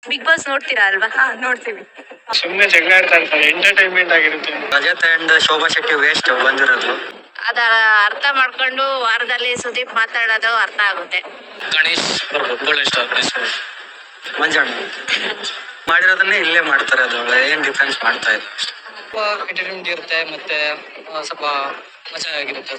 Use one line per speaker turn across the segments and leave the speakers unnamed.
Big Boss ನೋಡ್ತೀರಾ ಅಲ್ವಾ? ನೋಡ್ತೀವಿ.
ಸುಮ್ಮನೆ ಜಗಳ ಆಡ್ತಾ ಇರ್ತಾರೆ, ಎಂಟರ್ಟೈನ್ಮೆಂಟ್ ಆಗಿರುತ್ತೆ.
ರಜತ್ ಅಂಡ್ ಶೋಭಾ ಶೆಟ್ಟಿ ವೇಸ್ಟ್ ಬಂದಿರೋದು.
ಅದ ಅರ್ಥ ಮಾಡ್ಕೊಂಡು ವಾರದಲ್ಲಿ ಸುದೀಪ್ ಮಾತಾಡೋದು ಅರ್ಥ ಆಗುತ್ತೆ.
ಗಣೇಶ್ ಒಳ್ಳೆ ಇಷ್ಟ.
ಮಂಜಣ್ಣ ಮಾಡಿರೋದನ್ನೇ ಇಲ್ಲೇ ಮಾಡ್ತಾರೆ, ಅದು ಏನ್ ಡಿಫ್ರೆನ್ಸ್ ಮಾಡ್ತಾ ಇದೆ.
ಸ್ವಲ್ಪ ಎಂಟರ್ಟೈನ್ಮೆಂಟ್ ಇರುತ್ತೆ, ಮತ್ತೆ ಸ್ವಲ್ಪ ಮಜಾ ಆಗಿರುತ್ತೆ.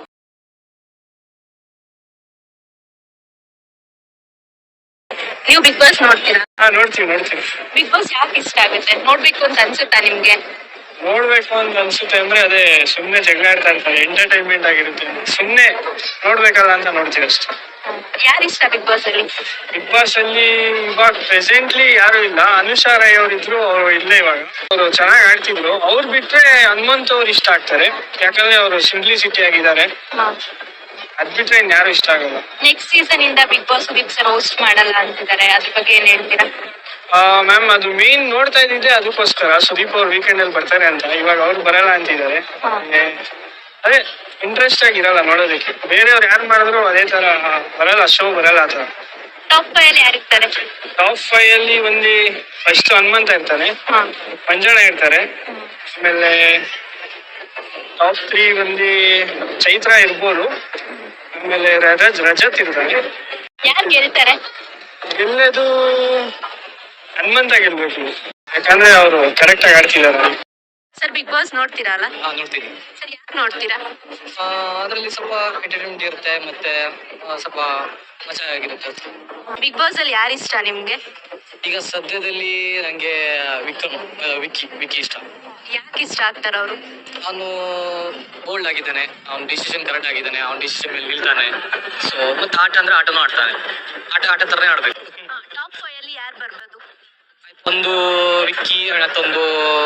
ನೀವು ಬಿಗ್ ಬಾಸ್ ನೋಡ್ತೀರಾ?
ನೋಡ್ತೀವಿ.
ಬಿಗ್ ಬಾಸ್ ಯಾಕೆ ಇಷ್ಟ ಆಗುತ್ತೆ? ನೋಡ್ಬೇಕು ಅಂತ ಅನ್ಸುತ್ತಾ ನಿಮ್ಗೆ?
ನೋಡ್ಬೇಕು ಅಂತ ಅನ್ಸುತ್ತೆ ಅಂದ್ರೆ ಅದೇ ಸುಮ್ನೆ ಜಗಳ ಆಡ್ತಾ ಇರ್ತಾರೆ, ಎಂಟರ್ಟೈನ್ಮೆಂಟ್ ಆಗಿರುತ್ತೆ. ಸುಮ್ನೆ ನೋಡ್ಬೇಕಲ್ಲ ಅಂತ ನೋಡ್ತೀವಿ ಅಷ್ಟೇ.
ಯಾರು ಇಷ್ಟ ಬಿಗ್ ಬಾಸ್ ಅಲ್ಲಿ?
ಬಿಗ್ ಬಾಸ್ ಅಲ್ಲಿ ಇವಾಗ ಪ್ರೆಸೆಂಟ್ಲಿ ಯಾರು ಇಲ್ಲ. ಅನುಷಾ ರೈ ಅವ್ರು ಇದ್ರು, ಅವ್ರು ಇಲ್ಲೇ ಇವಾಗ. ಅವರು ಚೆನ್ನಾಗಿ ಆಡ್ತಿದ್ರು. ಅವ್ರು ಬಿಟ್ರೆ ಹನುಮಂತ್ ಅವ್ರು ಇಷ್ಟ ಆಗ್ತಾರೆ, ಯಾಕಂದ್ರೆ ಅವರು ಸಿಂಪ್ಲಿಸಿಟಿ ಆಗಿದ್ದಾರೆ. ಅದ್ ಬಿಟ್ರೆ ಇನ್ ಯಾರು ಇಷ್ಟ ಆಗಲ್ಲ.
ನೆಕ್ಸ್ಟ್ ಸೀಸನ್ ಇಂದ Bigg Boss Sudeep sir host ಮಾಡಲ್ಲ ಅಂತಿದ್ದಾರೆ, ಅದ್ರ ಬಗ್ಗೆ ಏನ್ ಹೇಳ್ತೀರಾ?
ಮ್ಯಾಮ್, ಅದು ಮೇನ್ ನೋಡ್ತಾ ಇದ್ದಿದ್ದೆ ಅದಕ್ಕೋಸ್ಕರ. ಸುದೀಪ್ ಅವ್ರು ವೀಕೆಂಡ್ ಅಲ್ಲಿ ಬರ್ತಾರೆ ಅಂತ. ಇವಾಗ ಅವ್ರು ಬರಲ್ಲ ಅಂತಿದ್ದಾರೆ. ಅದೇ ಇಂಟ್ರೆಸ್ಟ್ ಆಗಿರಲ್ಲ ನೋಡೋದಕ್ಕೆ. ಬೇರೆಯವ್ರು ಯಾರು ಮಾಡಿದ್ರು ಅದೇ ತರ ಬರಲ್ಲ, ಶೋ ಬರಲ್ಲ ಆತರ.
ಟಾಪ್ 5 ಅಲ್ಲಿ ಯಾರಿರ್ತಾರೆ?
ಟಾಪ್ 5 ಅಲ್ಲಿ ಒಂದು ಫಸ್ಟ್ ಹನುಮಂತ ಇರ್ತಾನೆ, ಮಂಜಣ್ಣ ಇರ್ತಾರೆ. ಆಮೇಲೆ ಟಾಪ್ 3 ಒಂದು ಚೈತ್ರ ಇರ್ಬೋದು. ಆಮೇಲೆ ರಜತ್ ಇರ್ತಾನೆ.
ಯಾರು ಗೆಲ್ತಾರೆ?
ಗೆಲ್ಲದು ಹನುಮಂತ ಗೆಲ್ಬೇಕು, ಯಾಕಂದ್ರೆ ಅವರು ಕರೆಕ್ಟ್ ಆಗಿ ಆಡ್ತಿದ್ದಾರೆ.
ಸರ್, ಬಿಗ್ ಬಾಸ್ ನೋಡ್ತೀರಾ ಅಲ್ಲ?
ನೋಡ್ತೀನಿ.
ಸರ್, ಯಾಕೆ ನೋಡ್ತೀರಾ?
ಅದರಲ್ಲಿ ಸ್ವಲ್ಪ ಎಂಟರ್ಟೈನ್ಮೆಂಟ್ ಇರುತ್ತೆ, ಮತ್ತೆ ಸ್ವಲ್ಪ ಮಜಾ ಆಗಿರುತ್ತೆ.
ಬಿಗ್ ಬಾಸ್ ಅಲ್ಲಿ ಯಾರು ಇಷ್ಟ ನಿಮ್ಗೆ?
ಈಗ ಸದ್ಯದಲ್ಲಿ ನಂಗೆ ವಿಕ್ಕಿ ಇಷ್ಟ.
ಯಾಕೆ ಇಷ್ಟ ಆಗ್ತಾರ ಅವರು?
ಅವನು ಬೋಲ್ಡ್ ಆಗಿದ್ದಾನೆ, ಅವ್ನ ಡಿಸಿಷನ್ ಕರೆಕ್ಟ್ ಆಗಿದ್ದಾನೆ, ಅವ್ನ ಡಿಸಿಷನ್ ಮೇಲೆ ನಿಲ್ತಾನೆ. ಸೊ ಮತ್ತೆ ಆಟ ಅಂದ್ರೆ ಆಟನೂ ಆಡ್ತಾನೆ, ಆಟ ತರನೇ ಆಡ್ಬೇಕು.
ಟಾಪ್ 5 ಅಲ್ಲಿ ಯಾರು ಬರ್ಬೋದು?
ಒಂದು ವಿಕ್ಕಿ, ಮತ್ತೊಂದು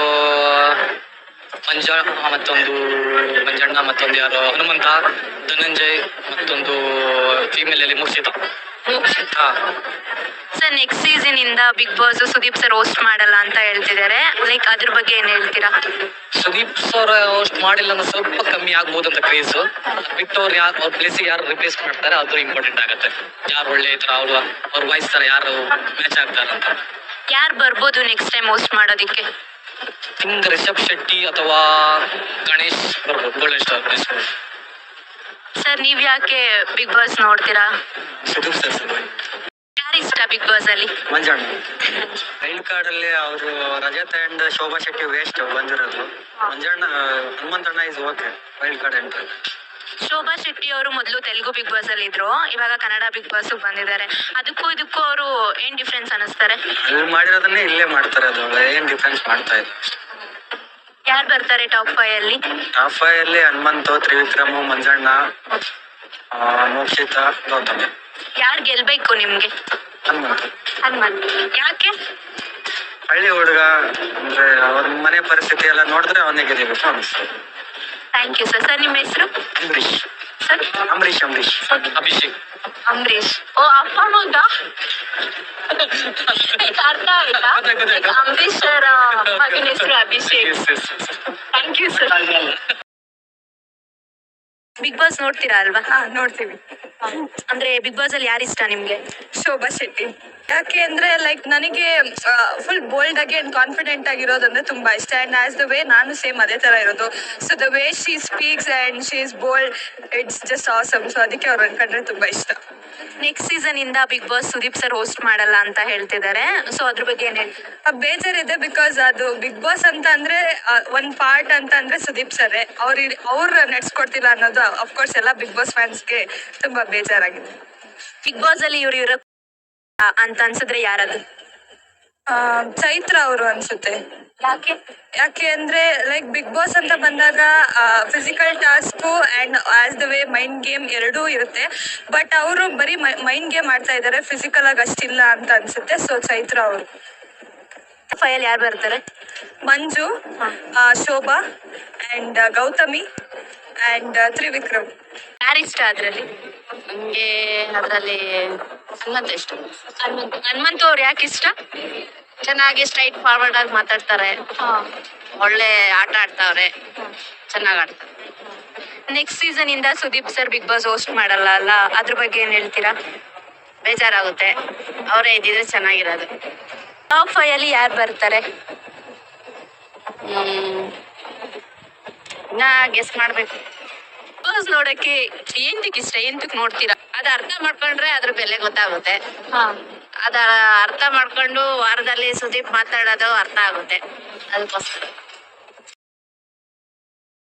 ಮಂಜಣ್ಣ, ಮತ್ತೊಂದು ಯಾರು ಹನುಮಂತ, ಧನಂಜಯ್, ಮತ್ತೊಂದು ಫೀಮೇಲ್ ಅಲ್ಲಿ ಮುಕ್ಷಿತಾ.
ಸರ್, ನೆಕ್ಸ್ಟ್ ಸೀಸನ್ ಇಂದ Bigg Boss Sudeep sir host ಮಾಡಲ್ಲ ಅಂತ ಹೇಳ್ತಿದ್ದಾರೆ, ಲೈಕ್ ಅದ್ರ ಬಗ್ಗೆ ಏನ್ ಹೇಳ್ತೀರಾ?
ಸುದೀಪ್ ಸರ್ ಹೋಸ್ಟ್ ಮಾಡಿಲ್ಲ ಅಂದ್ರೆ ಸ್ವಲ್ಪ ಕಮ್ಮಿ ಆಗ್ಬೋದು ಅಂತ ಕ್ರೇಜ್. ಬಿಟ್ಟು ಅವ್ರ ಪ್ಲೇಸಿಗೆ ಯಾರು ರಿಪ್ಲೇಸ್ ಮಾಡ್ತಾರೆ ಅದು ಇಂಪಾರ್ಟೆಂಟ್ ಆಗುತ್ತೆ. ಯಾರು ಒಳ್ಳೆ ತರ ಅವ್ರ ವಾಯ್ಸ್ ತರ ಯಾರು ಮ್ಯಾಚ್ ಆಗ್ತಾರೆ ಅಂತ.
ಯಾರು ಬರ್ಬೋದು ನೆಕ್ಸ್ಟ್ ಟೈಮ್ ಹೋಸ್ಟ್ ಮಾಡೋದಿಕ್ಕೆ?
ರಿಷಬ್ ಶೆಟ್ಟಿ ಅಥವಾ ಗಣೇಶ್ ಬರ್ಬೋದು, ಒಳ್ಳೆ ಇಷ್ಟ.
ಸರ್, ನೀವ್ ಯಾಕೆ ಬಿಗ್ ಬಾಸ್ ನೋಡ್ತೀರಾ?
ಸುದೀಪ್ ಸರ್
ಯಾರು ಇಷ್ಟ ಬಿಗ್ ಬಾಸ್ ಅಲ್ಲಿ?
ಮಂಜಣ್ಣ. ವೈಲ್ಡ್ ಕಾರ್ಡ್ ಅಲ್ಲಿ ಅವರು ರಜತ್ ಅಂಡ್ ಶೋಭಾ ಶೆಟ್ಟಿ ವೇಸ್ಟ್ ಬಂದಿರೋದು. ಮಂಜಣ್ಣ ಹನುಮಂತಣ್ಣ is okay wild card entry.
Shobha Shetty ಅವರು ಮೊದಲು ತೆಲುಗು ಬಿಗ್ ಬಾಸ್ ಅಲ್ಲಿ ಇದ್ರು, ಇವಾಗ ಕನ್ನಡ ಬಿಗ್ ಬಾಸ್ ಬಂದಿದ್ದಾರೆ. ಅದಕ್ಕೂ ಇದಕ್ಕೂ ಅವರು ಏನ್ ಡಿಫ್ರೆನ್ಸ್ ಅನಿಸ್ತಾರೆ?
ಅಲ್ಲಿ ಮಾಡಿರೋದನ್ನೇ ಇಲ್ಲೇ ಮಾಡ್ತಾರೆ, ಅದು ಏನ್ ಡಿಫ್ರೆನ್ಸ್ ಮಾಡ್ತಾ ಇದೆ.
ಯಾರು ಬರ್ತಾರೆ ಟಾಪ್ 5 ಅಲ್ಲಿ?
ಟಾಪ್ 5 ಅಲ್ಲಿ ಹನುಮಂತು, ತ್ರಿವಿಕ್ರಮು, ಮಂಜಣ್ಣ, ಮೋಕ್ಷಿತಾ, ಗೌತಮಿ.
ಯಾರು ಗೆಲ್ಬೇಕು ನಿಮ್ಗೆ? ಹನುಮಂತ್. ಯಾಕೆ?
ಹಳ್ಳಿ ಹುಡುಗ ಅಂದ್ರೆ ಅವ್ರ ಮನೆ ಪರಿಸ್ಥಿತಿ ಎಲ್ಲ ನೋಡಿದ್ರೆ ಅವನೇ ಗೆಲ್ಲಬೇಕು ಅನಿಸ್ತದೆ.
Thank you sir. ಸರ್, ನಿಮ್ಮ ಹೆಸರು?
ಅಂಬರೀಶ್.
ಸರ್,
ಅಂಬರೀಶ್.
ಅಭಿಷೇಕ್.
ಅಂಬರೀಶ್. ಓ, ಅಪ್ಪ ಮಗ ಅರ್ಥ ಆಯ್ತಾ? ಅಂಬರೀಶ್ ಸರ್ ಮಗನ ಹೆಸರು Abhishek. Thank you sir. Bigg Boss ನೋಡ್ತೀರಾ ಅಲ್ವಾ? ನೋಡ್ತೀವಿ. ಅಂದ್ರೆ ಬಿಗ್ ಬಾಸ್ ಅಲ್ಲಿ ಯಾರು ಇಷ್ಟ ನಿಮ್ಗೆ? ಶೋಭಾ ಶೆಟ್ಟಿ. ಯಾಕೆ ಅಂದ್ರೆ ಲೈಕ್ ನನಗೆ ಫುಲ್ ಬೋಲ್ಡ್ ಆಗಿ ಅಂಡ್ ಕಾನ್ಫಿಡೆಂಟ್ ಆಗಿರೋದಂದ್ರೆ ತುಂಬಾ ಇಷ್ಟ. ಅಂಡ್ ಆಸ್ ದ ವೇ ನಾನು ಸೇಮ್ ಅದೇ ತರ ಇರೋದು. So the way she speaks and she is bold, it's just awesome. So ಅದಕ್ಕೆ ಅವ್ರು ಅನ್ಕೊಂಡ್ರೆ ತುಂಬಾ ಇಷ್ಟ. ನೆಕ್ಸ್ಟ್ ಸೀಸನ್ ಇಂದ Bigg Boss Sudeep sir host ಮಾಡಲ್ಲ ಅಂತ ಹೇಳ್ತಿದ್ದಾರೆ, ಸೊ ಅದ್ರ ಬಗ್ಗೆ ಏನ್ ಹೇಳಿ? ಬೇಜಾರಿದೆ, ಬಿಕಾಸ್ ಅದು ಬಿಗ್ ಬಾಸ್ ಅಂತ ಅಂದ್ರೆ ಒಂದ್ ಪಾರ್ಟ್ ಅಂತ ಅಂದ್ರೆ ಸುದೀಪ್ ಸರ್ ಅವ್ರು ನಡ್ಸ್ಕೊಡ್ತಿಲ್ಲ ಅನ್ನೋದು ಅಫ್ಕೋರ್ಸ್ ಎಲ್ಲ ಬಿಗ್ ಬಾಸ್ ಫ್ಯಾನ್ಸ್ಗೆ ತುಂಬಾ ಬೇಜಾರಾಗಿದೆ. ಬಿಗ್ ಬಾಸ್ ಅಲ್ಲಿ ಇವ್ರು ಅಂತ ಅನ್ಸಿದ್ರೆ ಯಾರದು? ಚೈತ್ರ ಅವರು ಅನ್ಸುತ್ತೆ. ಯಾಕೆ ಅಂದ್ರೆ ಲೈಕ್ ಬಿಗ್ ಬಾಸ್ ಅಂತ ಬಂದಾಗ physical task and as the way mind game ಎರಡೂ ಇರುತ್ತೆ. ಬಟ್ ಅವರು ಬರೀ ಮೈಂಡ್ ಗೇಮ್ ಆಡ್ತಾ ಇದ್ದಾರೆ, ಫಿಸಿಕಲ್ ಆಗಿ ಅಷ್ಟಿಲ್ಲ ಅಂತ ಅನ್ಸುತ್ತೆ. ಸೊ ಚೈತ್ರ ಅವರು. 5 ಯಾರು ಬರ್ತಾರೆ? Manju, Shobha and Gowthami and Trivikram. ಯಾರು ಇಷ್ಟ ಅದ್ರಲ್ಲಿ?
ನಮ್ಗೆ ಅದ್ರಲ್ಲಿ ಹನುಮಂತ ಇಷ್ಟ.
ಹನುಮಂತ ಅವ್ರು ಯಾಕೆ ಇಷ್ಟ?
ಚೆನ್ನಾಗಿ ಸ್ಟ್ರೈಟ್ ಫಾರ್ವರ್ಡ್ ಆಗಿ ಮಾತಾಡ್ತಾರೆ, ಒಳ್ಳೆ ಆಟ ಆಡ್ತಾವ್ರೆ, ಚೆನ್ನಾಗ್ ಆಡ್ತಾರೆ.
ನೆಕ್ಸ್ಟ್ ಸೀಸನ್ ಇಂದ Sudeep sir Bigg Boss host ಮಾಡಲ್ಲ ಅಲ್ಲ, ಅದ್ರ ಬಗ್ಗೆ ಏನ್ ಹೇಳ್ತೀರಾ?
ಬೇಜಾರಾಗುತ್ತೆ, ಅವರೇ ಇದ್ದಿದ್ರೆ ಚೆನ್ನಾಗಿರೋದು.
ಟಾಪ್ 5 ಅಲ್ಲಿ ಯಾರು ಬರ್ತಾರೆ?
ಇನ್ನ ಗೆಸ್ ಮಾಡ್ಬೇಕು.
ಬಿಗ್ ನೋಡಕ್ಕೆ ಎಂತಕ್ಕೆ ಇಷ್ಟ, ಎಂತಕ್ಕೆ ನೋಡ್ತೀರಾ?
ಅದ್ ಅರ್ಥ ಮಾಡ್ಕೊಂಡ್ರೆ ಅದ್ರ ಬೆಲೆ ಗೊತ್ತಾಗುತ್ತೆ.
ಹಾ.
ಅದ ಅರ್ಥ ಮಾಡ್ಕೊಂಡು ವಾರದಲ್ಲಿ ಸುದೀಪ್ ಮಾತಾಡೋದು ಅರ್ಥ ಆಗುತ್ತೆ ಅದಕ್ಕೋಸ್ಕರ.